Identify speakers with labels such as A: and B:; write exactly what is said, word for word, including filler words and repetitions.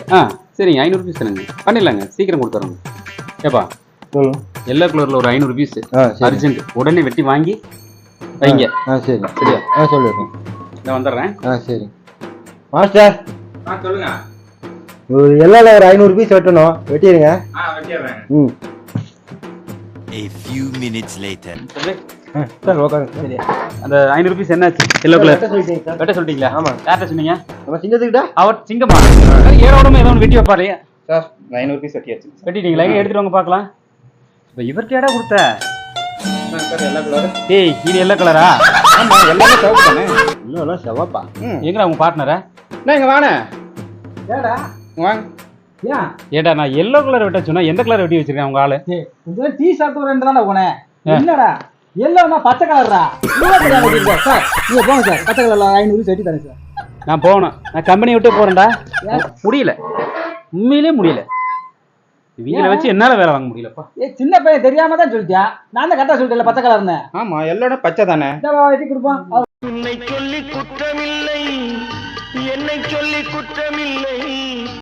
A: ஆ சரிங்க ஐநூறு பீஸ் தானுங்க பண்ணிடலாங்க சீக்கிரம் கொடுத்துறோங்க ஏப்பா
B: சொல்லுங்க
A: எல்லோ கலரில் ஒரு ஐநூறு பீஸ்
B: ஆ சரி
A: அர்ஜென்ட் உடனே வெட்டி வாங்கி வைங்க
B: ஆ சரி
A: சரியா
B: ஆ சொல்லிடுறேன்
A: நான் வந்துடுறேன்
B: ஆ சரி மாஸ்டர்
A: ஆ சொல்லுங்க
B: ஒரு எல்லாம் ஒரு ஐநூறு பீஸ் வெட்டணும் வெட்டிடுங்க
A: ஆ வெட்டிடுறேன்
B: ம்
C: A few minutes later.
A: சொல்லு
B: ஆ சார் உட்காருங்க சரி
A: அந்த ஐநூறு பீஸ் என்னாச்சு எல்லோ கலர்
B: வெட்ட சொல்லிட்டீங்க சார்
A: வெட்ட சொல்லிட்டீங்களா
B: ஆமா.
A: யார்கிட்ட சொன்னீங்க
B: நம்ம சிங்கத்துக்கிட்ட
A: அவர் சிங்கமா ஏரோடமே ஏதோ ஒன்று வெட்டி வைப்பாரு
D: சார் ஐநூறு பீஸ் வெட்டியாச்சு
A: வெட்டிட்டீங்களா எங்க எடுத்துட்டு வாங்க பார்க்கலாம் இப்போ இவர்கிட்ட இடம் கொடுத்த
D: சார் எல்லா கலரு
A: ஏய் இது எல்லோ கலரா
D: ஆமா எல்லாமே சிவப்பு தானே
B: இன்னும் செவப்பா
D: ம்
A: எங்கடா உங்க பார்ட்னரா
D: என்ன இங்க வாணே
E: ஏடா
D: வாங்க
E: ஏன்
A: ஏடா நான் எல்லோ கலர் வெட்ட சொன்னா எந்த கலர் வெட்டி வச்சிருக்கேன் உங்க ஆளு
E: இதெல்லாம் டீ ஷர்ட் ரெண்டு தானே போனேன் என்னடா எல்லோனா பச்சை கலர்ரா சார் நீங்க போங்க சார் பச்சை கலர்ல ஐநூறு செட்டி தரேன் சார்
A: நான் போகணும் நான் கம்பெனி விட்டு போறேன்டா முடியல உண்மையிலே முடியல இவங்களை வச்சு என்னால வேலை வாங்க முடியலப்பா
E: ஏ சின்ன பையன் தெரியாம தான் சொல்லிட்டேன் நான் தான் கரெக்டா சொல்லிட்டேன் பச்சை கலர்னு
D: ஆமா எல்லோட பச்சை தானே
E: வெட்டி கொடுப்போம்
F: உன்னை சொல்லி குற்றமில்லை என்னை சொல்லி குற்றமில்லை